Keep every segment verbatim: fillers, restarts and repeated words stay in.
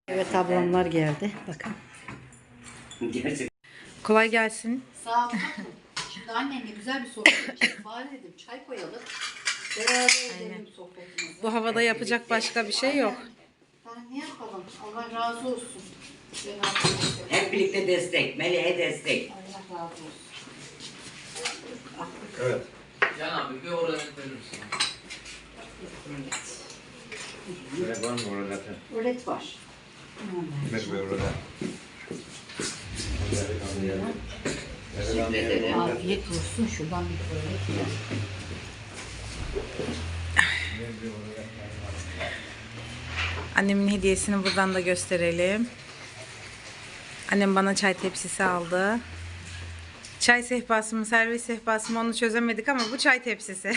Evet, ablamlar geldi. Bakın. Gerçekten. Kolay gelsin. Sağ ol. Şimdi annenle güzel bir sohbet edeceğiz. Bari dedim çay koyalım. Beraber edelim sohbetimizi. Bu havada yapacak başka bir şey yok. Ben ne yapalım? Allah razı olsun. Hep birlikte destek. Meleğe destek. Allah razı olsun. Evet. Can abi bir oraya verir misin? Böyle var mı orada zaten? Öğret var. Hikmet Bey orada. Teşekkür ederim. Afiyet olsun. Şuradan bir öğret ya. Annemin hediyesini buradan da gösterelim. Annem bana çay tepsisi aldı. Çay sehpası mı, servis sehpası mı onu çözemedik ama bu çay tepsisi.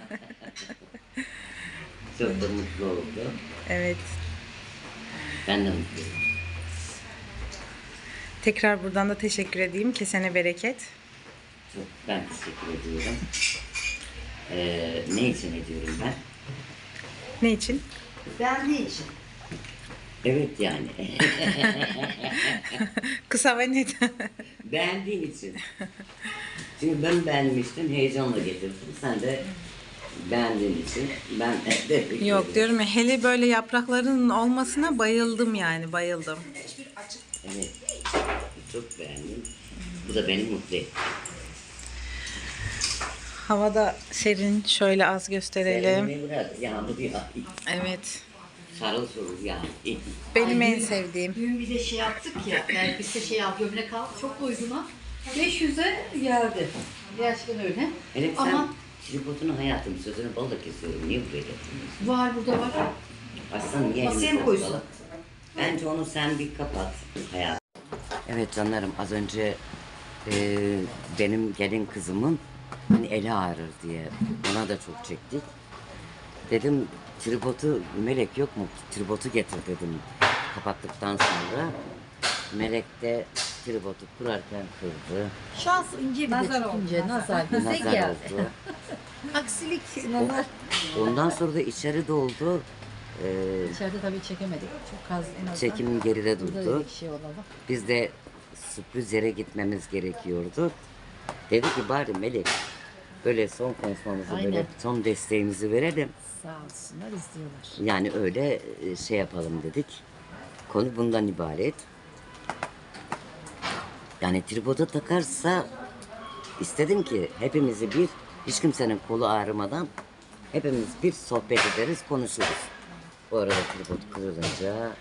Çok da mutlu oldu. Evet. Ben de mutluyum. Tekrar buradan da teşekkür edeyim. Kesene bereket. Çok ben teşekkür ediyorum. Ee, ne için ediyorum ben? Ne için? Ben ne için? Evet yani. Kısa ve net. Beğendiğin için. Çünkü ben beğenmiştim, heyecanla getirdim. Sen de beğendiğin için ben de Yok diyorum ya, hele böyle yaprakların olmasına bayıldım yani, bayıldım. Evet. Çok beğendim. Bu da beni mutlu etti. Havada serin, şöyle az gösterelim. Sevmeyi bırak. Yağmur ya. Evet. Sarıl sorul ya. Benim Ay, en dün- sevdiğim. Dün bir de şey yaptık ya. Elbise şey al, gömlek al. Çok uyguna. beş yüze geldi. Gerçekten öyle. Elif sen Ama tripodunu hayatım sözünü balla kesiyorum. Niye buraya getiriyorsun? var burada var. Aslan niye Masaya elini mı koysun? bozdalı? Bence onu sen bir kapat hayatım. Evet canlarım, az önce e, benim gelin kızımın hani eli ağrır diye ona da çok çektik. Dedim tripodu Melek yok mu? Tripodu getir dedim kapattıktan sonra. Melek de tripodu kurarken kırdı. Şans ince bir Nazar de oldu, tutunca nazar bize Nazar geldi. oldu. Aksilik nazar. Ondan sonra da içeri doldu. Ee, İçeride tabii çekemedik. Çok az en azından. çekim geride Burada durdu. dedik şey olalım. Biz de sürpriz yere gitmemiz gerekiyordu. Dedi ki bari Melek böyle son konuşmamızı, Aynen. böyle son desteğimizi verelim. Sağ olsunlar izliyorlar. Yani öyle e, şey yapalım dedik. Konu bundan ibaret. Yani tripoda takarsa istedim ki hepimizi bir, hiç kimsenin kolu ağrımadan hepimiz bir sohbet ederiz, konuşuruz. Bu arada tripod kırılınca sonra,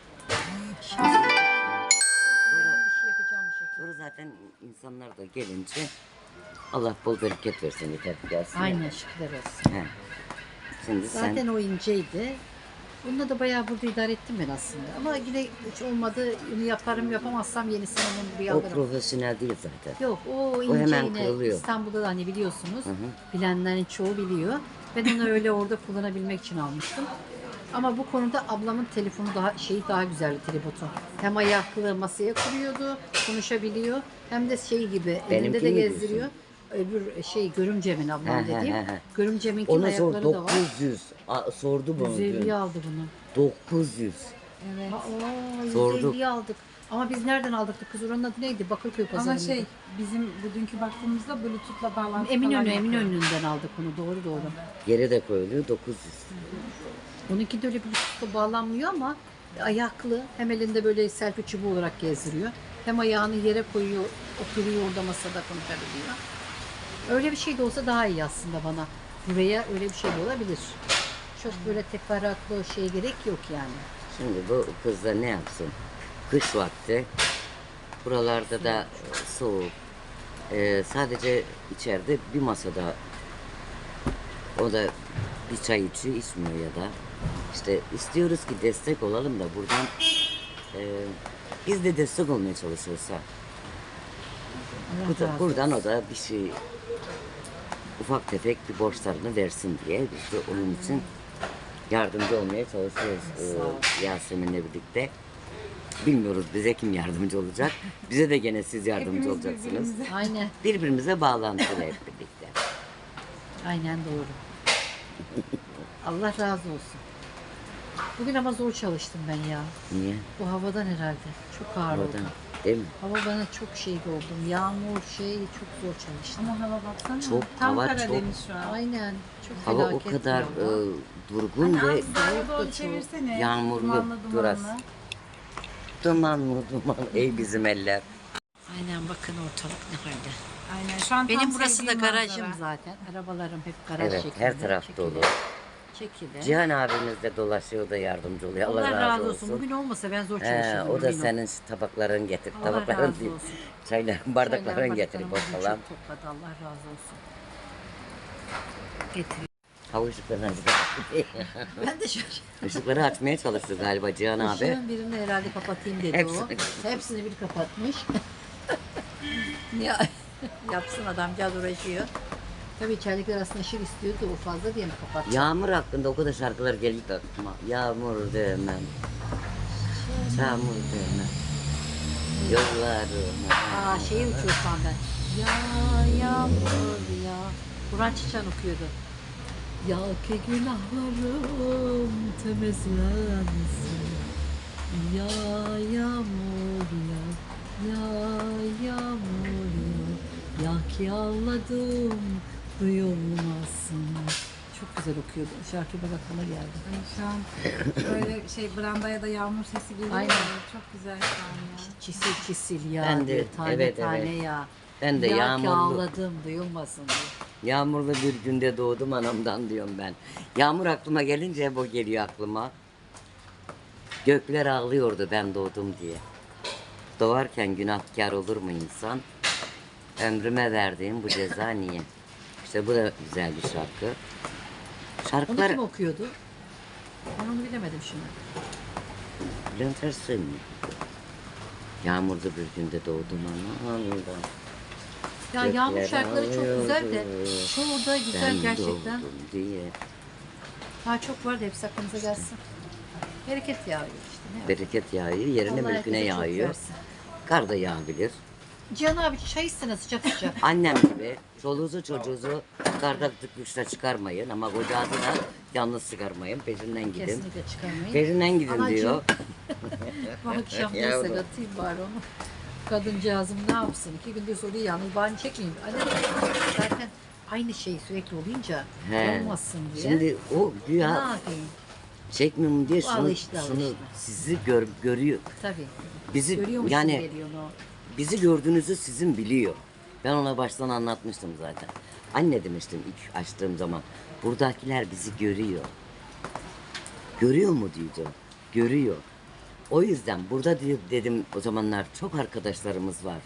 Bir şey yapacağım bir şekilde. sonra zaten insanlar da gelince Allah bol bereket versin, yeter ki gelsin. Aynen şükürler olsun. He. Şimdi Zaten sen o inceydi. Bununla da bayağı burada idare ettim ben aslında. Ama yine hiç olmadı. Bunu yaparım yapamazsam yenisini onun bir o alırım. profesyonel değil zaten. Yok o ince hemen yine kırılıyor. İstanbul'da da hani biliyorsunuz. Hı hı. Bilenlerin çoğu biliyor. Ben onu öyle orada kullanabilmek için almıştım. Ama bu konuda ablamın telefonu daha şeyi daha güzeldi tripodu. Hem ayaklı masaya kuruyordu, konuşabiliyor. Hem de şey gibi Benimki elinde de mi gezdiriyor. Öbür şey görümcemin ablam He, he, dediğim. he, he. Görümceminkin Ona sor ayakları da var. dokuz yüz. A, sordu bunu yüz elli dün. aldı bunu. dokuz yüz. Evet. Aa, Sorduk. yüz elliye aldık. Ama biz nereden aldık? Kız oranın adı neydi? Bakırköy pazarında. Ama şey bizim bugünkü baktığımızda Bluetooth'la bağlantı falan Eminönü, yapıyor. Eminönü'nden aldık onu. Doğru doğru. Yere de koyuluyor dokuz yüz. Onunki de öyle Bluetooth'la bağlanmıyor ama ayaklı. Hem elinde böyle selfie çubuğu olarak gezdiriyor. Hem ayağını yere koyuyor, oturuyor orada masada konuşabiliyor. Öyle bir şey de olsa daha iyi aslında bana. Buraya öyle bir şey de olabilir. Çok böyle teferruatlı şeye gerek yok yani. Şimdi bu kız da ne yapsın? Kış vakti. Buralarda da soğuk. Ee, sadece içeride bir masada o da bir çay içiyor, içmiyor ya da. İşte istiyoruz ki destek olalım da buradan e, biz de destek olmaya çalışıyorsa. Bu da, buradan o da bir şey ufak tefek bir borçlarını versin diye biz de onun için yardımcı olmaya çalışıyoruz ee, Yasemin'le birlikte. Bilmiyoruz bize kim yardımcı olacak. Bize de gene siz yardımcı Hepimiz olacaksınız. birbirimize. Aynen. Birbirimize bağlantılı hep birlikte. Aynen doğru. Allah razı olsun. Bugün ama zor çalıştım ben ya. Niye? Bu havadan herhalde. Çok ağır oldu. Oradan. Değil mi? Hava bana çok şey oldum. Yağmur şey çok zor çalıştım. Ama hava baksana. Çok, Tam hava Karadeniz şu an. Aynen. Çok Hava o felaket kadar bir hava. e, durgun Anne, ve az sağa soğuk da doğru çok. çevirsene. yağmurlu Dumanlı biraz. dumanlı. dumanlı duman. Ey bizim eller. Aynen bakın ortalık ne halde. Aynen şu an Benim tam burası da sevdiğim garajım manzara. zaten. Arabalarım hep garaj Evet, şeklinde. her taraf Çekili, dolu. Çekili. Cihan abimiz de dolaşıyor da yardımcı oluyor. Allah, Allah razı olsun. Bugün olmasa ben zor He, çalışırdım. o da emin ol. senin tabakların getir. Allah Tabakların razı değil. olsun. Çayların, bardakların Çaylar, getir bardaklarımı falan. çok topladı. Allah razı olsun. Getir. Hava ışıklarını açtı. Ben de şaşırdım. Işıkları açmaya çalıştı galiba Cihan abi. Işığın birini herhalde kapatayım dedi Hepsini. o. Hepsini bir kapatmış. ya yapsın adamcağız uğraşıyor. Tabii içeridekiler aslında ışık istiyordu o fazla diye mi kapattı? Yağmur hakkında o kadar şarkılar geliyor ki aklıma. Yağmur demem. Çamur demem. Yollarım. Aa şeyi uçuyor şu an ben. Ya yağmur ya. Burhan Çiçen okuyordu. Ya ki günahlarım temizlensin. Ya yağmur ya. Ya yağmur ya. Ya ki ağladım duyulmasın. Çok güzel okuyordu. Şarkı bak aklıma geldi. Ay, şu an böyle şey brandaya da yağmur sesi geliyor. Aynen. ya, Çok güzel şu an ya. Çisil çisil ya. Ben de, diyor, tane evet, tane evet. ya. Ben de ya yağmurlu. ki ağladım duyulmasın diyor. Yağmurlu bir günde doğdum anamdan diyorum ben. Yağmur aklıma gelince hep o geliyor aklıma. Gökler ağlıyordu ben doğdum diye. Doğarken günahkar olur mu insan? Ömrüme verdiğim bu ceza niye? İşte bu da güzel bir şarkı. Onu Şarkılar kim okuyordu? Ben onu bilemedim şimdi. Bülent Ersoy mu? Yağmurlu bir günde doğdum anamdan. Ya yağmur Gökler şarkıları çok güzel de ağlıyordu, çoğu da güzel ben gerçekten. doğdum diye. Daha çok var da hepsi aklımıza gelsin. Bereket yağıyor işte. Ne Bereket yağıyor, yerine Allah mülküne herkese çok yağıyor. versin. Kar da yağabilir. Cihan abi çay istene sıcak sıcak. Annem gibi çoluğunuzu çocuğunuzu karda tıkmışla çıkarmayın ama kocası da yalnız çıkarmayın. Peşinden gidin. Kesinlikle çıkarmayın. Peşinden gidin Anacığım. diyor. Bu akşam Yavrum. mesela atayım bari onu. Kadıncağızım ne yapsın? İki gündür soruyor yalnız bari çekmeyeyim. Anne zaten aynı şey sürekli olunca He. olmasın diye. Şimdi o ne güya yapayım? çekmiyorum diye Bu şunu, alıştı, şunu alıştı. sizi gör, görüyor. Tabii. Bizi Görüyormuş yani gibi geliyor onu. bizi gördüğünüzü sizin biliyor. Ben ona baştan anlatmıştım zaten. Anne demiştim ilk açtığım zaman. Buradakiler bizi görüyor. Görüyor mu diyeceğim. Görüyor. O yüzden burada diyor dedim o zamanlar çok arkadaşlarımız var.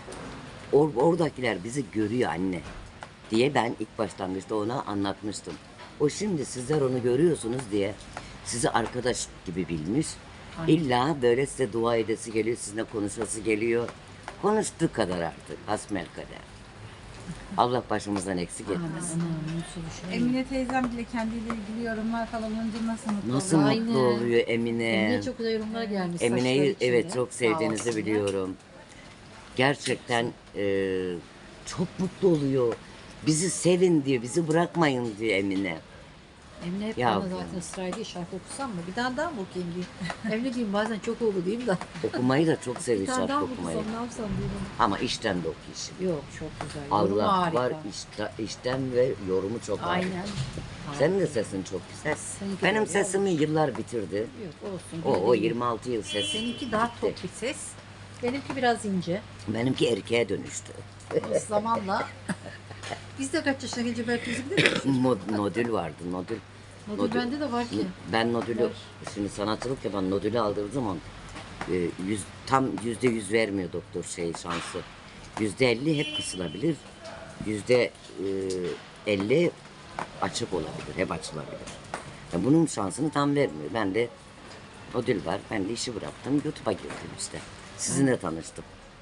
Or, oradakiler bizi görüyor anne diye ben ilk başlangıçta ona anlatmıştım. O şimdi sizler onu görüyorsunuz diye sizi arkadaş gibi bilmiş. İlla böyle size dua edesi geliyor, sizinle konuşması geliyor. Konuştuğu kadar artık hasbelkader. Allah başımızdan eksik etmesin. Anam mutsuz düşünüyorum. Emine teyzem bile kendiyle ilgili yorumlar falan olunca nasıl mutlu Nasıl oluyor? Aynen. mutlu oluyor Emine. Emine'ye çok güzel yorumlar gelmiş. Emine'yi saçları içinde. evet çok Sağ sevdiğinizi olsun ya. biliyorum. Gerçekten e, çok mutlu oluyor. Bizi sevin diyor, bizi bırakmayın diyor Emine. Emine hep Ya bana bu- zaten sırayla şarkı okusam mı? Bir tane daha mı okuyayım diyeyim. Emine diyeyim bazen çok oldu diyeyim de. Okumayı da çok Bir seviyor tane daha şarkı mı okumayı. okusam ne yapsam diyorum. Ama işten de okuyor. Yok çok güzel. Yorumu Allah harika. var işte, işten ve yorumu çok harika. Aynen. Senin de sesin çok güzel. Seninki Benim de sesimi yıllar bitirdi. Yok olsun. O, o bildiğin- yirmi altı yıl ses. Seninki daha tok bir ses. Benimki biraz ince. Benimki erkeğe dönüştü. O zamanla biz de kaç yaşına gelince belki bizim de Mod- nodül vardı, nodül. Nodül bende de var ki. Ben nodülü, Var. şimdi sanatçılık yapan nodülü aldığım zaman e, yüz, tam yüzde yüz vermiyor doktor şey şansı. Yüzde elli hep kısılabilir. Yüzde e, elli açık olabilir, hep açılabilir. Yani bunun şansını tam vermiyor. Ben de nodül var, ben de işi bıraktım, YouTube'a girdim işte. Sizinle tanıştım.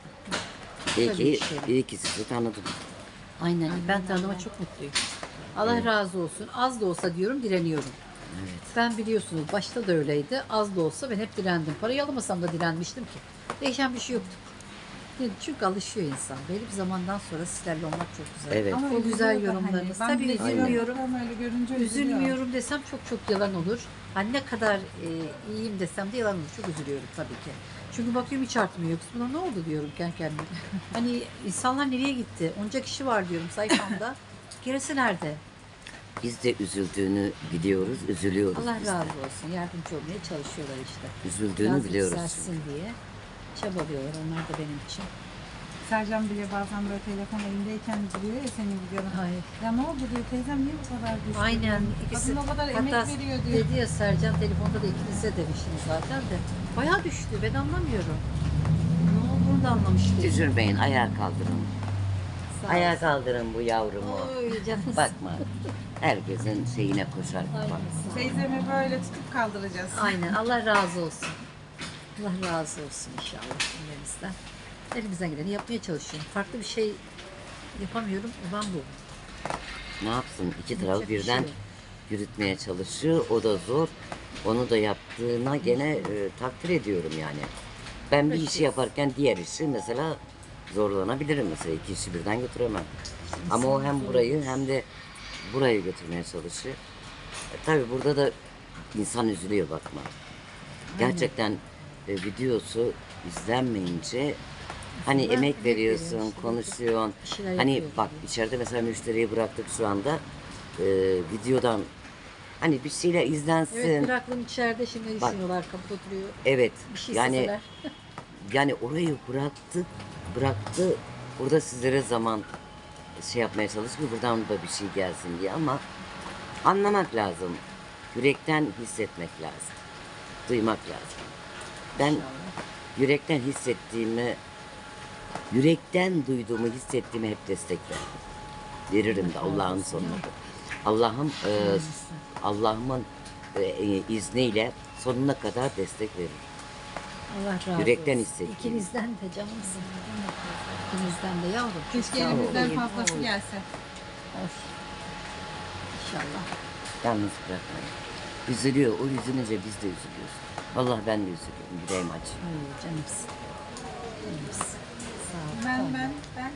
İyi Tabii ki, işte. iyi ki sizi tanıdım. Aynen. Ben tanıma çok mutluyum. Allah razı olsun. Az da olsa diyorum direniyorum. Evet. Ben biliyorsunuz başta da öyleydi. Az da olsa ben hep direndim. Parayı alamasam da direnmiştim ki. Değişen bir şey yoktu. Yani çünkü alışıyor insan. Belli bir zamandan sonra sizlerle olmak çok güzel. Evet. Ama O güzel üzülüyor da yorumlarınız. Hani. Ben Tabii bile üzülmüyorum. Ama öyle görünce üzülüyorum. Üzülmüyorum desem çok çok yalan olur. Hani ne kadar e, iyiyim desem de yalan olur. Çok üzülüyorum tabii ki. Çünkü bakıyorum hiç artmıyor. Buna ne oldu diyorum kendi kendime. Hani insanlar nereye gitti? Onca kişi var diyorum sayfamda. Gerisi nerede? Biz de üzüldüğünü biliyoruz, üzülüyoruz Allah biz de. razı olsun. Yardımcı olmaya çalışıyorlar işte. Üzüldüğünü Biraz biliyoruz. yükselsin diye çabalıyorlar. Onlar da benim için. Sercan bile bazen böyle telefon elindeyken diyor ya senin videonu. Hayır. Ya ne oldu diyor teyzem niye bu kadar düştü? Aynen. diyor. ikisi Kadın o kadar emek hatta veriyor diyor. dedi ya Sercan telefonda da ikinize demiştiniz zaten de. Bayağı düştü. Ben anlamıyorum. Ne olduğunu da anlamış değilim. Üzülmeyin, ayağa kaldırın. Sağ Ayağa olsun. kaldırın bu yavrumu. Oy canım. Bakma, herkesin şeyine koşar. Bak. Aynen, sağ ol. Teyzemi böyle tutup kaldıracağız. Aynen. Allah razı olsun. Allah razı olsun inşallah cümlemizden. Elimizden geleni yapmaya çalışıyorum. Farklı bir şey yapamıyorum. Olan bu. Ne yapsın? İki tarafı Yapacak bir birden şey yok. yürütmeye çalışıyor. O da zor. Onu da yaptığına gene e, takdir ediyorum yani. Ben bir işi yaparken diğer işi mesela zorlanabilirim mesela. İki işi birden götüremem. Ama o hem burayı hem de burayı götürmeye çalışıyor. E, tabii burada da insan üzülüyor bakma. Gerçekten e, videosu izlenmeyince hani Ben emek emek veriyorsun, veriyorum işte. konuşuyorsun. Bir şeyler Hani yapıyorum bak tabii. içeride mesela müşteriyi bıraktık şu anda. E, videodan hani bir şeyler izlensin. Evet bir aklım içeride şimdi Bak. düşünüyorlar kapıda oturuyor. Evet. Bir şey yani isteseler. yani orayı bıraktı, bıraktı. Burada sizlere zaman şey yapmaya çalışıyor. Buradan da bir şey gelsin diye ama anlamak lazım. Yürekten hissetmek lazım. Duymak lazım. Ben yürekten hissettiğimi, yürekten duyduğumu, hissettiğimi hep destek veririm. Veririm de Allah'ın sonunda. Allah'ım e, Allah'ımın e, izniyle sonuna kadar destek veririm. Allah razı Yürekten olsun. hissettiğim. İkinizden de canımsın. İkinizden de yavrum. Keşke Sağ olun. elimizden Oy, fazlası oy. gelse. Oy. İnşallah. Yalnız bırakmayın. Üzülüyor. O üzülünce biz de üzülüyoruz. Vallahi ben de üzülüyorum. Yüreğim acı. Ay canımsın. Canımsın. Sağ ol. Ben ben ben.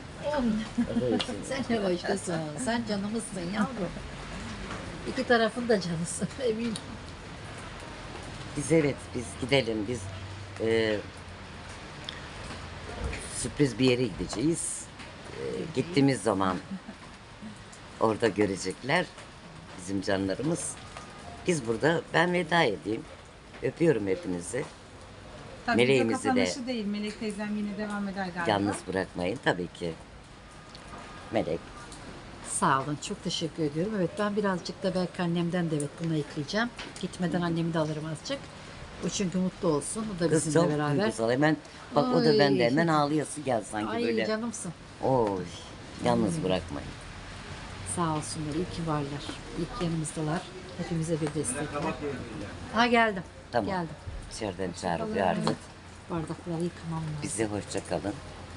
Oy. Sen ne başkasın. Sen canımızsın yavrum. İki tarafın da canısın eminim. Biz evet biz gidelim. Biz e, sürpriz bir yere gideceğiz. E, gittiğimiz zaman orada görecekler bizim canlarımız. Biz burada ben veda edeyim. Öpüyorum hepinizi. Tabii Meleğimizi video de- kapanışı değil. Melek teyzem yine devam eder galiba. Yalnız bırakmayın tabii ki. Melek. Sağ olun. Çok teşekkür ediyorum. Evet ben birazcık da belki annemden de evet bunu ekleyeceğim. Gitmeden annemi de alırım azıcık. O çünkü mutlu olsun. O da Kız bizimle çok beraber. duygusal. Hemen bak o da Ay. bende hemen ağlayası gel sanki Ay böyle. canımsın. Oy. Yalnız bırakmayın. Sağ olsunlar. İyi ki varlar. İyi ki yanımızdalar. Hepimize bir destekler. Ha geldim. Tamam. Geldim. İçeriden çağırıyor artık. Bardakları yıkamam lazım. Bize hoşça kalın.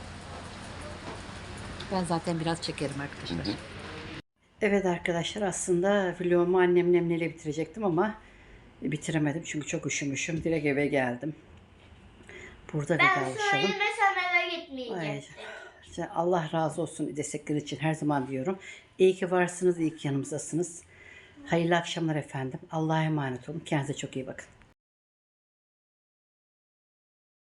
Ben zaten biraz çekerim arkadaşlar. Hı hı. Evet arkadaşlar aslında vlogumu annemle Emre'yle bitirecektim ama bitiremedim çünkü çok üşümüşüm. Direkt eve geldim. Burada Ben vedalaşalım. söylemesem eve gitmeyeceğim. Ay, işte Allah razı olsun destekleri için her zaman diyorum. İyi ki varsınız, iyi ki yanımızdasınız. Hayırlı akşamlar efendim. Allah'a emanet olun. Kendinize çok iyi bakın.